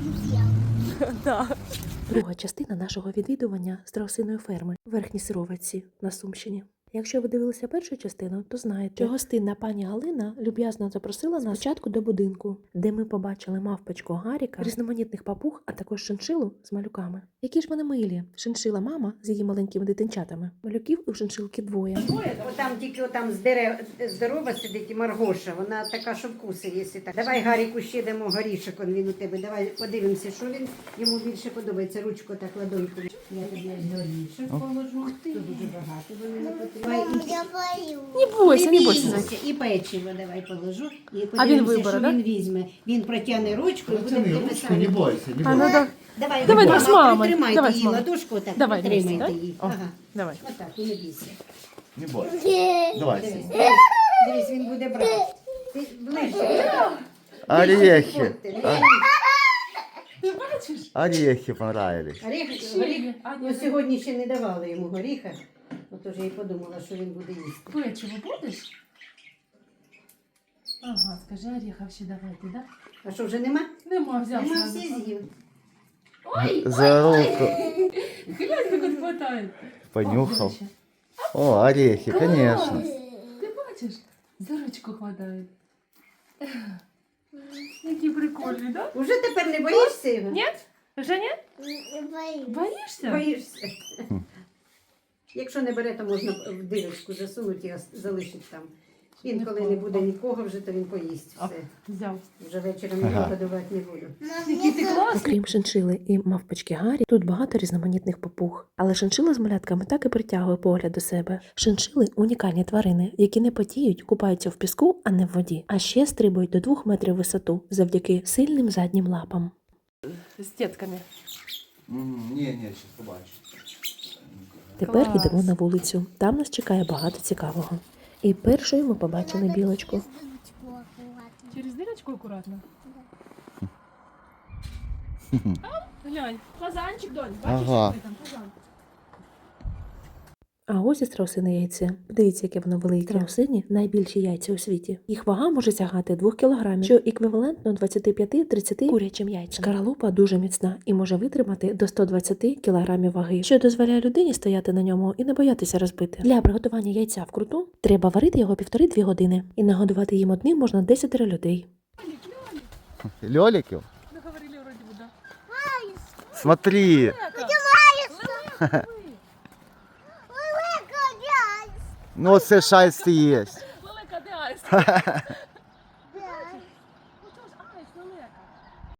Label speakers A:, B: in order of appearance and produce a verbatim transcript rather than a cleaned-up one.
A: Друга частина нашого відвідування страусиної ферми в Верхній Сировиці на Сумщині. Якщо ви дивилися першу частину, то знаєте, що гостинна пані Галина люб'язно запросила нас спочатку до будинку, де ми побачили мавпочку Гаріка, різноманітних папуг, а також шиншилу з малюками. Які ж вони милі. Шиншила мама з її маленькими дитинчатами. Малюків у шиншилки двоє.
B: Там тільки там з дерев здорова сидить і Маргоша, вона така, що вкуси, якщо так. Давай Гаріку ще дамо горішок, он він у тебе. Давай подивимося, що він йому більше подобається. Ручку так ладоньку. Я тобі горішок положу. Тут дуже багато вони не потрібні.
C: Я боюсь.
A: Не бойся, не бойся.
B: Бійся. І печиво давай положу. І
A: А він
B: подивимося,
A: вибере,
B: що
A: да?
B: він візьме. Він протягне ручку і буде
D: Протяни ручку, не бойся, не
A: А, ну,
D: бойся.
A: да.
B: Давай,
A: Давай,
B: мама,
A: давай з мамою.
B: притримайте
A: Давай з
B: її
A: мамою.
B: ладошку, так,
A: Давай,
B: притримайте
A: вместе, да?
B: її.
A: О,
B: Ага.
A: давай.
B: Отак, і не бійся.
D: Не бойся. Давай.
B: Дивись,
D: Сім.
B: дивись, дивись, він буде брати. Ти ближче.
D: Орехи.
B: А?
A: Ти бачиш?
D: Орехи понравились.
B: Горіх, горіх, ну, сьогодні ще не давали йому горіха. Отож я й подумала, що він буде їсти.
A: Печиво будеш? Ага, скажи, орехов ще давайте, да?
B: А що, вже нема?
A: Нема, взяв
B: Нема,
A: сразу.
B: всі з'їв.
D: За руку
A: Глянь, как он хватает.
D: понюхал. О, орехи, конечно.
A: Ти бачиш? За ручку хватает. Який прикольний, да?
B: Уже тепер не боїшся його?
A: Нет? Вже ні?
C: Я боюсь.
A: Боїшся?
B: Боїшся. Якщо не бере, то можна в дирочку засунути і залишити там. Він, коли не буде нікого вже, то він поїсть все.
A: Взяв.
B: Вже вечором його
D: Ага.
B: годувати не буду.
A: Який ти класний. Окрім шиншили і мавпочки Гарі, тут багато різноманітних папуг. Але шиншила з малятками так і притягує погляд до себе. Шиншили – унікальні тварини, які не потіють, купаються в піску, а не в воді. А ще стрибують до двох метрів в висоту завдяки сильним заднім лапам. З тітками.
D: Ні, ні, зараз побачу.
A: Тепер
E: Клас.
A: йдемо на вулицю. Там нас чекає багато цікавого. І першою ми побачили білочку.
E: Через дырочку аккуратно. Глянь, фазанчик, донь, бачиш,
D: Ага.
E: який там фазан?
A: А ось і страусине яйце. Подивіться, яке воно велике. Страусині – найбільші яйця у світі. Їх вага може сягати двох кілограмів, що еквівалентно двадцять п'ять тридцять курячим яйцям. Шкаралупа дуже міцна і може витримати до сто двадцять кілограмів ваги, що дозволяє людині стояти на ньому і не боятися розбити. Для приготування яйця вкруту треба варити його півтори-дві години. І нагодувати їм одним можна десять людей.
D: Льоликів?
E: Мы говорили вроде бы, да.
D: Смотри. Ну, це шайсти є.
E: Лелека, де айс? Ну то ж айс, лелека.